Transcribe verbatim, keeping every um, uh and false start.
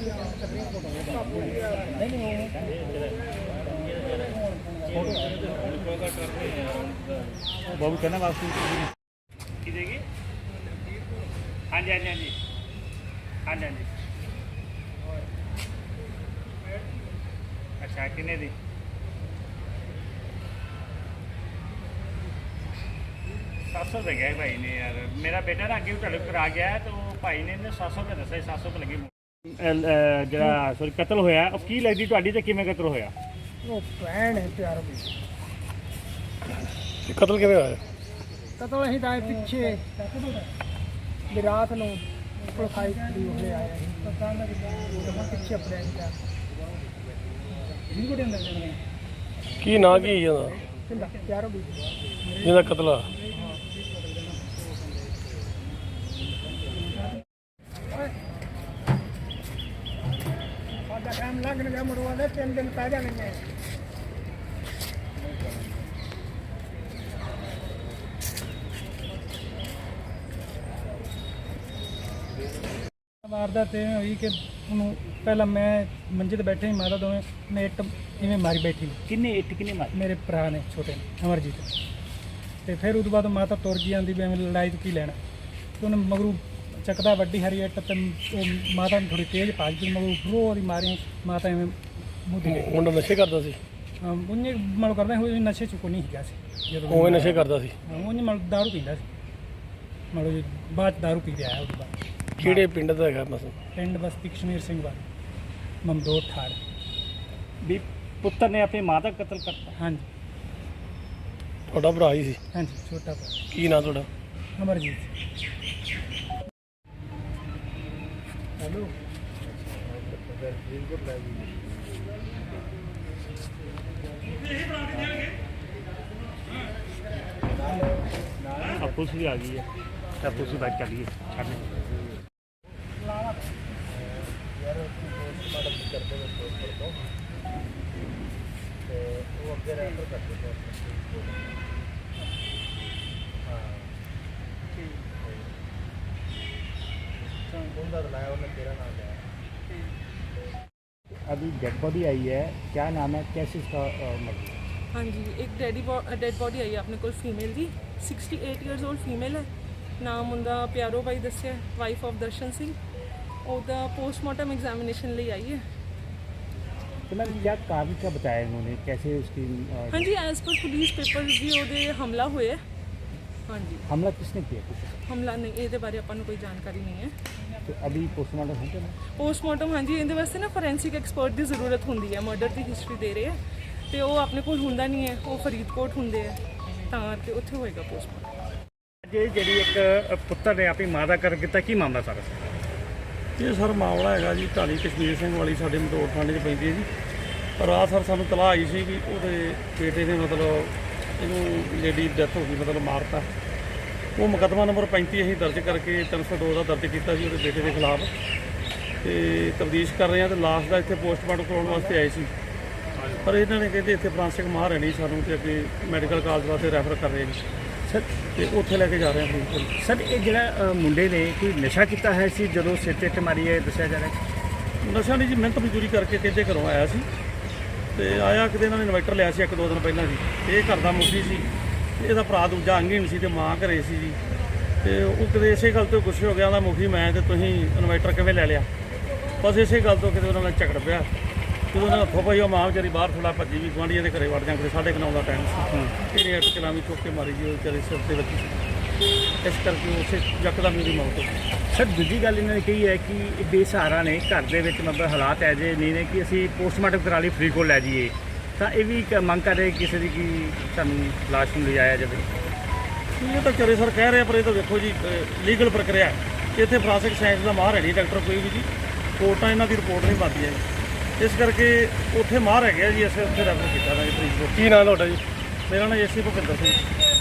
बाबू कहना वापसी की देगी? हाँ जी हाँ जी हाँ जी हाँ जी हाँ जी। अच्छा कितने दी? सात सौ रुपये गया भाई ने यार। मेरा बेटा ना अगे ढल करा गया है तो भाई ने इन्हें सात सौ रुपये दसा, सात सौ रुपये लगे। जरा सॉरी कतल होया ਉਹ ਕੀ ਲੱਗਦੀ ਤੁਹਾਡੀ ਤੇ ਕਿਵੇਂ ਕਤਲ ਹੋਇਆ? ਉਹ ਭੈਣ ਹੈ ਪਿਆਰ ਦੀ। कतल किवें होया? ਕਤਲ ਅਸੀਂ ਤਾਂ ਪਿੱਛੇ ਵੀ ਰਾਤ ਨੂੰ ਕੋਲ ਖਾਈ ਦੀ ਹੋਏ ਆਏ ਅਸੀਂ ਪਤਾ ਨਾ ਕਿ ਪਿੱਛੇ ਆਪਣੇ ਦਾ ਵੀਡੀਓ ਦੇ ਅੰਦਰ ਕੀ ਨਾਂ ਕੀ ਇਹਦਾ ਕਿੰਦਾ ਪਿਆਰ ਦੀ ਜਿਹਦਾ ਕਤਲ ਆ? ਸਾਡਾ ਟਾਈਮ ਲੱਗ ਗਿਆ ਮਰਵਾ ਦੇ ਤਿੰਨ ਦਿਨ ਪੈ ਜਾਣਗੇ। ਵਾਰਦਾਤ ਇਹ ਹੋਈ ਕਿ ਉਹਨੂੰ ਪਹਿਲਾਂ ਮੈਂ ਮੰਜੇ ਤੇ ਬੈਠੇ ਸੀ, ਮਾਤਾ ਦੋਵੇਂ ਨੇ ਇੱਟ ਇਵੇਂ ਮਾਰੀ ਬੈਠੀ। ਕਿੰਨੇ ਇੱਟ ਕਿੰਨੇ ਮਾਰੀ? ਮੇਰੇ ਭਰਾ ਨੇ ਛੋਟੇ ਨੇ ਅਮਰਜੀਤ। ਤੇ ਫਿਰ ਉਹ ਤੋਂ ਬਾਅਦ ਮਾਤਾ ਤੁਰ ਗਈ, ਆਂਦੀ ਵੀ ਐਵੇਂ ਲੜਾਈ ਤੋਂ ਕੀ ਲੈਣਾ। ਤੇ ਉਹਨੇ ਮਗਰੂ ਚੱਕਦਾ ਵੱਡੀ ਹਰੀ ਇੱਟ ਤੇ ਉਹ ਮਾਤਾ ਨੂੰ ਥੋੜੀ ਤੇਜ਼ ਭੱਜ ਗਈ, ਮਗਰੂ ਫਰੋ ਦੀ ਮਾਰੀ ਮਾਤਾ ਐਵੇਂ ਮੁੱਦੀ ਗਈ। ਮੁੰਡਾ ਨਸ਼ੇ ਕਰਦਾ ਸੀ? ਉਹਨੇ ਮਲ ਕਰਦਾ ਹੋਏ ਨਸ਼ੇ ਚ ਕੋਈ ਨਹੀਂ ਹੈਗਾ ਸੀ ਜਦੋਂ ਉਹ ਨਸ਼ੇ ਕਰਦਾ ਸੀ? ਉਹਨੇ ਮਲ ਦਾਰੂ ਪੀਂਦਾ ਸੀ, ਮਤਲਬ ਜੀ ਬਾਅਦ 'ਚ ਦਾਰੂ ਪੀ ਕੇ ਆਇਆ। ਉਹ ਤੋਂ ਬਾਅਦ ਕਿਹੜੇ ਪਿੰਡ ਦਾ ਹੈਗਾ ਮਸਲ? ਪਿੰਡ ਬਸਤੀ ਕਸ਼ਮੀਰ ਸਿੰਘ ਵਾਲਾ ਮਮਦੋਟ ਠਾੜ। ਵੀ ਪੁੱਤਰ ਨੇ ਆਪਣੀ ਮਾਂ ਦਾ ਕਤਲ ਕਰਤਾ? ਹਾਂਜੀ ਤੁਹਾਡਾ ਭਰਾ ਹੀ ਸੀ? ਹਾਂਜੀ ਛੋਟਾ ਭਰਾ। ਕੀ ਨਾਂ ਤੁਹਾਡਾ? ਅਮਰਜੀਤ। ਹੈਲੋ अब पुलिस भी आ गई है, अब पुलिस की बात कर ली है छाड़ने। अभी डेड बॉडी आई है, क्या नाम है, कैसे इसका मर्डर? हाँ जी, एक डेडी डेड बॉडी आई है अपने को फीमेल जी, sixty eight years old female है। नाम उनका प्यारो भाई दसिया, वाइफ ऑफ दर्शन सिंह। ਉਹਦਾ पोस्टमार्टम एग्जामिनेशन ਲਈ आई है। तो मैम क्या कारण क्या बताया इन्होंने, कैसे उसकी? हाँ जी, एज पर पुलिस पेपर्स भी ਉਹਦੇ हमला होया। हाँ जी। हमला किसने किया? हमला नहीं, ਇਹਦੇ ਬਾਰੇ ਆਪਾਂ ਨੂੰ ਕੋਈ ਜਾਣਕਾਰੀ नहीं है। तो अभी पोस्टमार्टम हो गया? पोस्टमार्टम हाँ जी, ਇਹਦੇ ਵਾਸਤੇ ਨਾ ਫੋਰੈਂਸਿਕ ਐਕਸਪਰਟ ਦੀ ਜ਼ਰੂਰਤ ਹੁੰਦੀ ਹੈ। ਮਰਡਰ ਦੀ ਹਿਸਟਰੀ ਦੇ ਰਹੇ ਹੈ ਤੇ ਉਹ ਆਪਣੇ ਕੋਲ ਹੁੰਦਾ ਨਹੀਂ ਹੈ, ਉਹ ਫਰੀਦਕੋਟ ਹੁੰਦੇ ਆ, ਤਾਂ ਕਰਕੇ ਉੱਥੇ ਹੋਏਗਾ ਪੋਸਟਮਾਰਟਮ। ਜੇ ਜਿਹੜੀ ਇੱਕ ਪੁੱਤਰ ਨੇ ਆਪਣੀ ਮਾਂ ਦਾ ਕਰ ਕੀਤਾ, ਕੀ ਮਾਮਲਾ ਸਾਰਾ? ਇਹ ਸਰ ਮਾਮਲਾ ਹੈਗਾ ਜੀ ਢਾਣੀ ਕਸ਼ਮੀਰ ਸਿੰਘ ਵਾਲੀ ਸਾਡੇ ਮਦੋੜ ਥਾਣੇ 'ਚ ਪੈਂਦੀ ਹੈ ਜੀ। ਰਾਤ ਸਰ ਸਾਨੂੰ ਤਲਾਹ ਆਈ ਸੀ ਵੀ ਉਹਦੇ ਬੇਟੇ ਨੇ ਮਤਲਬ ਇਹਨੂੰ ਲੇਡੀ ਡੈਥ ਹੋ ਗਈ, ਮਤਲਬ ਮਾਰਤਾ। ਉਹ ਮੁਕੱਦਮਾ ਨੰਬਰ ਪੈਂਤੀ ਅਸੀਂ ਦਰਜ ਕਰਕੇ ਤਿੰਨ ਸੌ ਦੋ ਦਾ ਦਰਜ ਕੀਤਾ ਸੀ ਉਹਦੇ ਬੇਟੇ ਦੇ ਖਿਲਾਫ ਤੇ ਤਫਤੀਸ਼ ਕਰ ਰਹੇ ਹਾਂ। ਤੇ ਲਾਸ਼ ਦਾ ਇੱਥੇ ਪੋਸਟਮਾਰਟਮ ਕਰਾਉਣ ਵਾਸਤੇ ਆਏ ਸੀ, ਪਰ ਇਹਨਾਂ ਨੇ ਕਹਿੰਦੇ ਇੱਥੇ ਫਰਾਂਸਿਕ ਮਾਹਰ ਹੈ ਨਹੀਂ, ਸਾਨੂੰ ਤੇ ਅੱਗੇ ਮੈਡੀਕਲ ਕਾਲਜ ਵਾਸਤੇ ਰੈਫਰ ਕਰ ਰਹੇ ਨੇ ਸਰ। ਤੇ ਉੱਥੇ ਲੈ ਕੇ ਜਾ ਰਹੇ ਹਾਂ। ਸਰ ਇਹ ਜਿਹੜਾ ਮੁੰਡੇ ਨੇ ਕੋਈ ਨਸ਼ਾ ਕੀਤਾ ਹੈ ਸੀ ਜਦੋਂ ਸਿਰ ਤੇ ਇੱਟ ਮਾਰੀ ਹੈ, ਦੱਸਿਆ ਜਾ ਰਿਹਾ? ਨਸ਼ਾ ਨਹੀਂ ਜੀ, ਮਿਹਨਤ ਮਜ਼ਦੂਰੀ ਕਰਕੇ ਕਹਿੰਦੇ ਘਰੋਂ ਆਇਆ ਸੀ ਤੇ ਆਇਆ ਕਿਤੇ ਇਹਨਾਂ ਨੇ ਇਨਵਰਟਰ ਲਿਆ ਸੀ ਇੱਕ ਦੋ ਦਿਨ ਪਹਿਲਾਂ ਜੀ। ਇਹ ਘਰ ਦਾ ਮੁਖੀ ਸੀ, ਇਹਦਾ ਭਰਾ ਦੂਜਾ ਅੰਗਹੀਣ ਸੀ ਤੇ ਮਾਂ ਘਰੇ ਸੀ ਜੀ। ਤੇ ਉਹ ਕਿਤੇ ਇਸੇ ਗੱਲ ਤੋਂ ਗੁੱਸੇ ਹੋ ਗਿਆ, ਉਹਦਾ ਮੁਖੀ ਮੈਂ ਤੇ ਤੁਸੀਂ ਇਨਵਰਟਰ ਕਿਵੇਂ ਲੈ ਲਿਆ। ਬਸ ਇਸੇ ਗੱਲ ਤੋਂ ਕਿਤੇ ਉਹਨਾਂ ਨਾਲ ਝਗੜ ਪਿਆ। ਜਦੋਂ ਉਹਨਾਂ ਹੱਥੋਂ ਪਈ ਉਹ ਮਾਂ ਵਿਚਾਰੀ ਬਾਹਰ ਥੋੜਾ ਭੱਜੀ ਵੀ ਗੁਆਂਢੀਆਂ ਦੇ ਘਰੇ ਵੜ ਜਾਂ ਕਿਤੇ ਸਾਢੇ ਕੁ ਨੌ ਦਾ ਟਾਈਮ ਸੀ। ਇਹਨੇ ਇੱਟ ਚਲਾਵੀਂ ਚੁੱਕ ਕੇ ਮਾਰੀ ਜੀ, ਉਹ ਵਿਚਾਰੇ ਸਿਰ ਤੇ ਵੱਜੀ। ਇਸ ਕਰਕੇ ਉਸੇ ਯਕਦਮ ਮੇਰੀ ਮੌਤ ਹੋ ਗਈ। ਸਰ ਦੂਜੀ ਗੱਲ ਇਹਨਾਂ ਨੇ ਕਹੀ ਹੈ ਕਿ ਇਹ ਬੇਸਹਾਰਾ ਨੇ, ਘਰ ਦੇ ਵਿੱਚ ਮਤਲਬ ਹਾਲਾਤ ਐ ਜੇ ਨਹੀਂ ਨੇ ਕਿ ਅਸੀਂ ਪੋਸਟਮਾਰਟਮ ਕਰਾ ਲਈ ਫਰੀਦਕੋਟ ਲੈ ਜਾਈਏ, ਤਾਂ ਇਹ ਵੀ ਇੱਕ ਮੰਗ ਕਰ ਰਹੇ ਕਿਸੇ ਦੀ ਕਿ ਸਾਨੂੰ ਲਾਸ਼ ਨੂੰ ਲਿਜਾਇਆ ਜਾਵੇ। ਇਹ ਤਾਂ ਚਰੇ ਸਰ ਕਹਿ ਰਹੇ, ਪਰ ਇਹ ਤਾਂ ਦੇਖੋ ਜੀ ਲੀਗਲ ਪ੍ਰਕਿਰਿਆ ਹੈ। ਇੱਥੇ ਫਰਾਂਸਿਕ ਸਾਇੰਸ ਦਾ ਮਾਹਰ ਹੈ ਨਹੀਂ ਡਾਕਟਰ ਕੋਈ ਵੀ ਜੀ, ਕੋਰਟਾਂ ਇਹਨਾਂ ਦੀ ਰਿਪੋਰਟ ਨਹੀਂ ਪਾਉਂਦੀ ਹੈ, ਇਸ ਕਰਕੇ ਉੱਥੇ ਮਾਹਰ ਹੈਗੇ ਜੀ, ਅਸੀਂ ਉੱਥੇ ਰੈਫਰ ਕੀਤਾ ਨਾ ਜੀ ਫਰੀਦਕੋਟ। ਕੀ ਨਾਂ ਤੁਹਾਡਾ ਜੀ? ਮੇਰਾ ਨਾਮ ਏਸੀ ਭੁਪਿੰਦਰ ਸਿੰਘ।